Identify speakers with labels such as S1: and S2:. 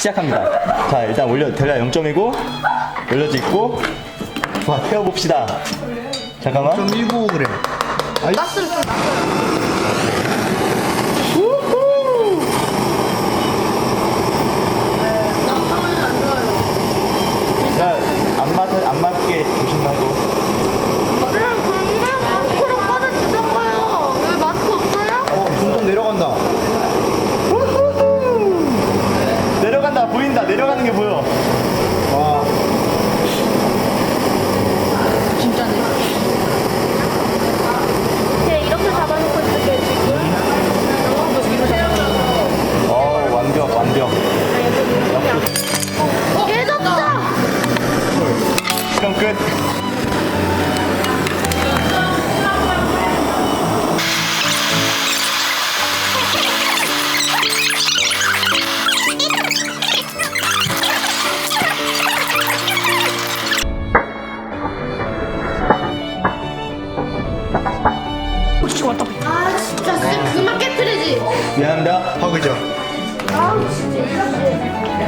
S1: 시작합니다. 자, 일단 대략 0.이고 올려짓고 와, 태워봅시다. 잠깐만.
S2: 0.19g.
S3: 가스를 좀 낮춰요.
S1: 자, 안 맞게 조심하고.
S3: 그냥 마스크로 꺼내주던가요. 왜 마스크 없어요?
S2: 점점 내려간다.
S1: 내려간다, 보인다. 내려가는 게 보여.
S2: 와.
S3: 진짜네. 네, 이렇게 잡아놓고 있을게요, 지금.
S1: 완벽, 완벽.
S3: 깨졌다!
S1: 시험 끝.
S3: 아, 진짜 쌤 그만 깨뜨리지.
S1: 미안합니다.
S2: 하그죠.
S3: 아우, 진짜.